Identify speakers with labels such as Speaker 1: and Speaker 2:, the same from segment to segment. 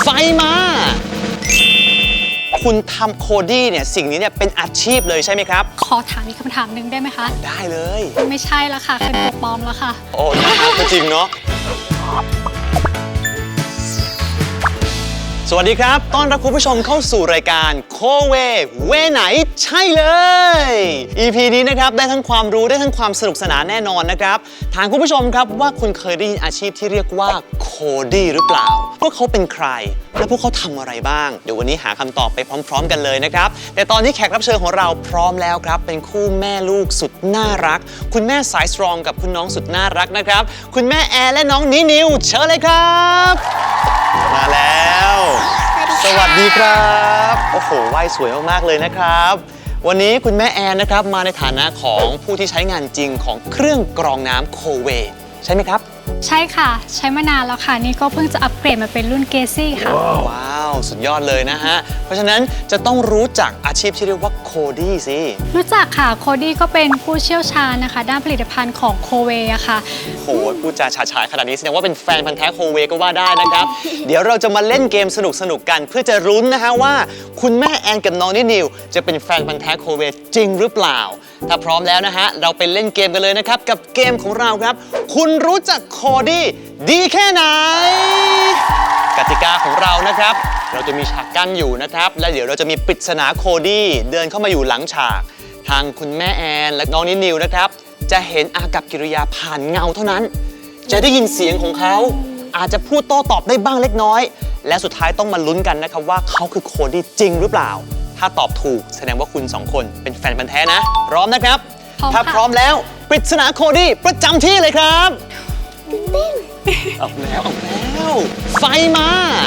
Speaker 1: ไฟมาคุณทำโคดี้เนี่ยสิ่งนี้เนี่ยเป็นอาชีพเลยใช่ไหมครับ
Speaker 2: ขอถามอีกคำถามหนึ่งได้ไหมคะ
Speaker 1: ได้เลย
Speaker 2: ไม่ใช่ละค่ะเป็นตัวปลอมแล้วค่ะ
Speaker 1: โอ้นะครับจริงเนาะสวัสดีครับต้อนรับคุณผู้ชมเข้าสู่รายการโคเวไหนใช่เลย EP นี้นะครับได้ทั้งความรู้ได้ทั้งความสนุกสนานแน่นอนนะครับถามคุณผู้ชมครับว่าคุณเคยได้ยินอาชีพที่เรียกว่าโคดี้หรือเปล่าพวกเขาเป็นใครและพวกเขาทำอะไรบ้างเดี๋ยววันนี้หาคำตอบไปพร้อมๆกันเลยนะครับแต่ตอนนี้แขกรับเชิญของเราพร้อมแล้วครับเป็นคู่แม่ลูกสุดน่ารักคุณแม่สายสตรองกับคุณน้องสุดน่ารักนะครับคุณแม่แอร์และน้องนิวเชิญเลยครับมาแล้วสวัสดีครับโอ้โหว่ายสวยมากๆเลยนะครับวันนี้คุณแม่แอนนะครับมาในฐานะของผู้ที่ใช้งานจริงของเครื่องกรองน้ำโคเวใช่ไหมครับ
Speaker 2: ใช่ค่ะใช้มานานแล้วค่ะนี่ก็เพิ่งจะอัปเกรดมาเป็นรุ่นเกซี่ค่ะ
Speaker 1: ว้าวสุดยอดเลยนะฮะเพราะฉะนั้นจะต้องรู้จักอาชีพที่เรียกว่าโคดี้สิ
Speaker 2: รู้จักค่ะโคดี้ก็เป็นผู้เชี่ยวชาญนะคะด้านผลิตภัณฑ์ของโคเวอะค่ะ
Speaker 1: โอ้โหพูดจาฉาฉายขนาดนี้แสดงว่าเป็นแฟนพันธุ์แท้โคเวก็ว่าได้นะครับ เดี๋ยวเราจะมาเล่นเกมสนุกๆกันเพื่อจะรุ้นนะฮะว่าคุณแม่แอนกับน้องนิวจะเป็นแฟนพันธุ์แท้โคเวจริงหรือเปล่าถ้าพร้อมแล้วนะฮะเราไปเล่นเกมกันเลยนะครับกับเกมของเราครับคุณรู้จักโคดี้ดีแค่ไหนกติกาของเรานะครับเราจะมีฉากกั้นอยู่นะครับและเดี๋ยวเราจะมีปริศนาโคดี้เดินเข้ามาอยู่หลังฉากทางคุณแม่แอนและน้องนิวนะครับจะเห็นอากับกิริยาผ่านเงาเท่านั้นจะได้ยินเสียงของเขาอาจจะพูดโต้ตอบได้บ้างเล็กน้อยและสุดท้ายต้องมาลุ้นกันนะครับว่าเขาคือโคดี้จริงหรือเปล่าถ้าตอบถูกแสดงว่าคุณ2คนเป็นแฟนพันธุ์แท้นะพร้อมนะครับถ้าพร้อมแล้วปริศนาโคดี้ประจำที่เลยครับเอาแล้วไฟมา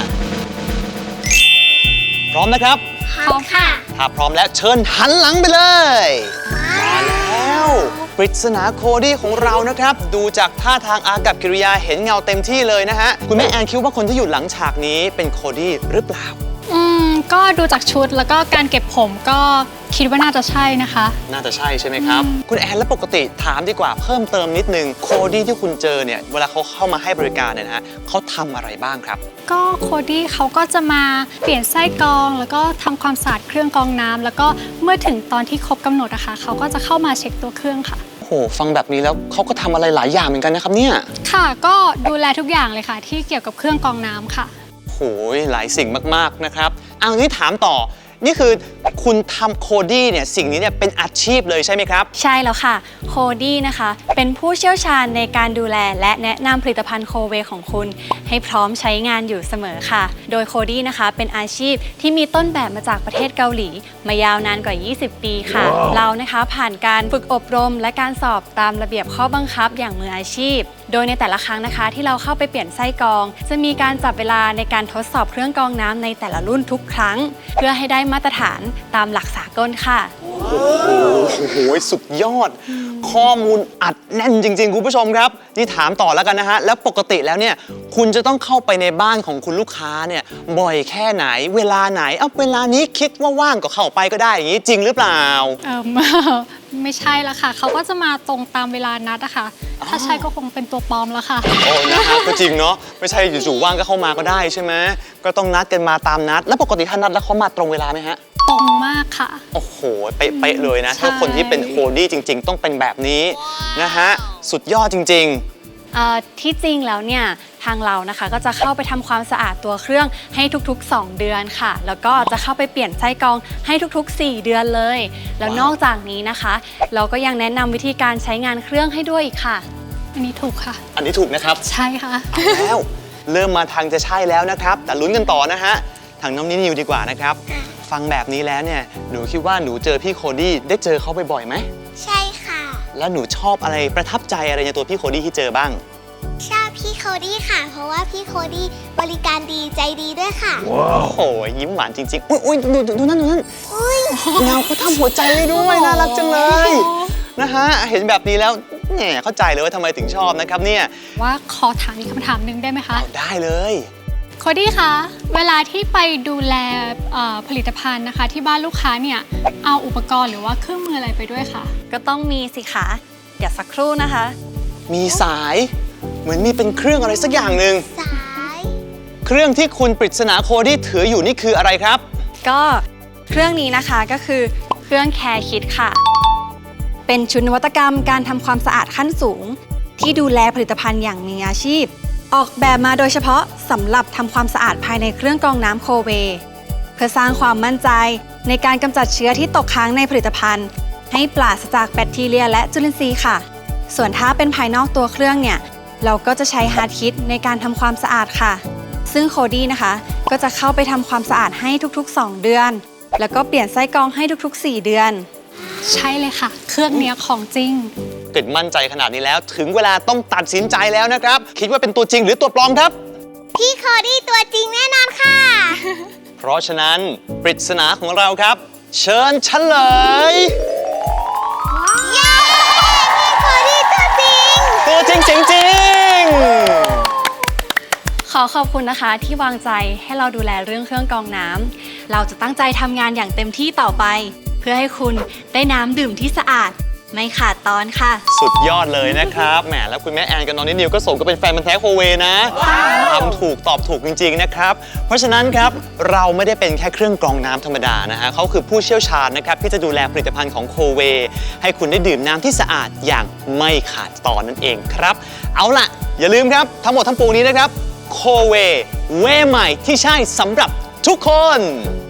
Speaker 1: พร้อมนะครับ
Speaker 2: พร้อมค่ะ
Speaker 1: ถ้าพร้อมแล้วเชิญหันหลังไปเลยมาแล้วปริศนาโคดี้ของเรานะครับดูจากท่าทางอากับกิริยาเห็นเงาเต็มที่เลยนะฮะคุณแม่แอนคิดว่าคนที่อยู่หลังฉากนี้เป็นโคดี้หรือเปล่า
Speaker 2: ก็ดูจากชุดแล้วก็การเก็บผมก็คิดว่าน่าจะใช่นะคะ
Speaker 1: น่าจะใช่ใช่ไหมครับคุณแอนและปกติถามดีกว่าเพิ่มเติมนิดนึงโคดี้ที่คุณเจอเนี่ยเวลาเขาเข้ามาให้บริการเนี่ยนะฮะเขาทำอะไรบ้างครับ
Speaker 2: ก็โคดี้เขาก็จะมาเปลี่ยนไส้กรองแล้วก็ทำความสะอาดเครื่องกรองน้ำแล้วก็เมื่อถึงตอนที่ครบกำหนดอะค่ะเขาก็จะเข้ามาเช็คตัวเครื่องค่ะ
Speaker 1: โอ้โหฟังแบบนี้แล้วเขาก็ทำอะไรหลายอย่างเหมือนกันนะครับเนี่ย
Speaker 2: ค่ะก็ดูแลทุกอย่างเลยค่ะที่เกี่ยวกับเครื่องกรองน้ำค่ะ
Speaker 1: โอ้ยหลายสิ่งมากๆนะครับเอางี้ถามต่อนี่คือคุณทำโคดี้เนี่ยสิ่งนี้เนี่ยเป็นอาชีพเลยใช่ไหมครับ
Speaker 3: ใช่แล้วค่ะโคดี้นะคะเป็นผู้เชี่ยวชาญในการดูแลและแนะนำผลิตภัณฑ์โคเวของคุณให้พร้อมใช้งานอยู่เสมอค่ะโดยโคดี้นะคะเป็นอาชีพที่มีต้นแบบมาจากประเทศเกาหลีมายาวนานกว่า 20 ปีค่ะ เรานะคะผ่านการฝึกอบรมและการสอบตามระเบียบข้อบังคับอย่างมืออาชีพโดยในแต่ละครั้งนะคะที่เราเข้าไปเปลี่ยนไส้กรองจะมีการจับเวลาในการทดสอบเครื่องกรองน้ำในแต่ละรุ่นทุกครั้งเพื่อให้ได้มาตรฐานตามหลักสากลค่ะ
Speaker 1: โอ้โหสุดยอดข้อมูลอัดแน่นจริงๆคุณผู้ชมครับนี่ถามต่อแล้วกันนะฮะแล้วปกติแล้วเนี่ยคุณจะต้องเข้าไปในบ้านของคุณลูกค้าเนี่ยบ่อยแค่ไหนเวลาไหนเวลานี้คิดว่าว่างก็เข้าไปก็ได้อย่างนี้จริงหรือเปล่า
Speaker 2: ไม่ใช่ละค่ะเขาก็จะมาตรงตามเวลานัดอะค่ะถ้าใช่ก็คงเป็นตัวปลอมแล้วค่ะ
Speaker 1: โอ้นะครับก็จริงเนาะไม่ใช่อยู่ๆว่างก็เข้ามาก็ได้ใช่ไหมก็ต้องนัดกันมาตามนัดแล้วปกติถ้านัดแล้วเขามาตรงเวลาไหมฮะ
Speaker 2: ตรงมากค่ะ
Speaker 1: โอ้โหเป๊ะเลยนะถ้าคนที่เป็นโคดี้จริงๆต้องเป็นแบบนี้นะฮะสุดยอดจริง
Speaker 3: ๆที่จริงแล้วเนี่ยทางเรานะคะก็จะเข้าไปทำความสะอาดตัวเครื่องให้ทุกๆ2 เดือนค่ะแล้วก็จะเข้าไปเปลี่ยนไส้กรองให้ทุกๆ4 เดือนเลยแล้วนอกจากนี้นะคะเราก็ยังแนะนำวิธีการใช้งานเครื่องให้ด้วยอีกค่ะ
Speaker 2: อันนี้ถูกค่ะ
Speaker 1: อันนี้ถูกนะครับ
Speaker 2: ใช่ค่ะ
Speaker 1: แล้วเริ่มมาทางจะใช่แล้วนะครับแต่ลุ้นกันต่อนะฮะทางน้องนิวดีกว่านะครับฟังแบบนี้แล้วเนี่ยหนูคิดว่าหนูเจอพี่โคดี้ได้เจอเขาบ่อยๆไหม
Speaker 4: ใช่ค่ะ
Speaker 1: แล้วหนูชอบอะไรประทับใจอะไรในตัวพี่โคดี้ที่เจอบ้าง
Speaker 4: ชอบพี่โคดี้ค่ะเพราะว่าพี่โคดี้บริการดีใจดีด้วยค่ะ
Speaker 1: ว้าวโอ้ยยิ้มหวานจริงๆอุ้ยดูนั่นเงาเขาทำหัวใจไว้ด้วยน่ารักจังเลยนะฮะเห็นแบบนี้แล้วแหมเข้าใจเลยว่าทำไมถึงชอบนะครับเนี่ย
Speaker 2: ว่าขอถามอีกคำถามหนึ่งได้ไหมคะ
Speaker 1: ได้เลย
Speaker 2: โคดี้คะเวลาที่ไปดูแลผลิตภัณฑ์นะคะที่บ้านลูกค้าเนี่ยเอาอุปกรณ์หรือว่าเครื่องมืออะไรไปด้วยคะ
Speaker 3: ก็ต้องมีสิคะเดี๋ยวสักครู่นะคะ
Speaker 1: มีสายเหมือนมีเป็นเครื่องอะไรสักอย่างหนึ่ง
Speaker 4: สาย
Speaker 1: เครื่องที่คุณปริศนาโคดี้ถืออยู่นี่คืออะไรครับ
Speaker 3: ก็เครื่องนี้นะคะก็คือเครื่องแคร์คิดค่ะ เป็นชุดนวัตกรรมการทำความสะอาดขั้นสูง ที่ดูแลผลิตภัณฑ์อย่างมีอาชีพ ออกแบบมาโดยเฉพาะสำหรับทำความสะอาดภายในเครื่องกรองน้ำโคเวเพื่อสร้างความมั่นใจในการกำจัดเชื้อที่ตกค้างในผลิตภัณฑ์ ให้ปราศจากแบคทีเรียและจุลินทรีย์ค่ะ ส่วนถ้าเป็นภายนอกตัวเครื่องเนี่ยเราก็จะใช้ฮาร์ดคิดในการทำความสะอาดค่ะ ซึ่งโคดี้นะคะก็จะเข้าไปทำความสะอาดให้ทุกๆ 2 เดือน แล้วก็เปลี่ยนไส้กรองให้ทุกๆ 4 เดือน
Speaker 2: ใช่เลยค่ะ เครื่องเนี้ยของจริง
Speaker 1: เกิดมั่นใจขนาดนี้แล้วถึงเวลาต้องตัดสินใจแล้วนะครับ คิดว่าเป็นตัวจริงหรือตัวปลอมครับ
Speaker 4: พี่โคดี้ตัวจริงแน่นอนค่ะ
Speaker 1: เพราะฉะนั้นปริศนาของเราครับ เชิญเฉลย
Speaker 4: เย้ พี่โคดี้ตัวจริง
Speaker 1: ตัวจริงจริง
Speaker 3: ขอขอบคุณนะคะที่วางใจให้เราดูแลเรื่องเครื่องกรองน้ำเราจะตั้งใจทำงานอย่างเต็มที่ต่อไป เพื่อให้คุณได้น้ำดื่มที่สะอาด ไม่ขาดตอนค่ะ
Speaker 1: สุดยอดเลยนะครับแหมแล้วคุณแม่แอนกับน้องนิวก็สมก็เป็นแฟนมันธุ์แท้โคเวนะทำถูกตอบถูกจริงๆนะครับเพราะฉะนั้นครับเราไม่ได้เป็นแค่เครื่องกรองน้ำธรรมดานะฮะเขาคือผู้เชี่ยวชาญนะครับที่จะดูแลผลิตภัณฑ์ของโคเวให้คุณได้ดื่มน้ำที่สะอาดอย่างไม่ขาดตอนนั่นเองครับเอาล่ะอย่าลืมครับทั้งหมดทั้งปวงนี้นะครับโคเวเวใหม่ที่ใช่สำหรับทุกคน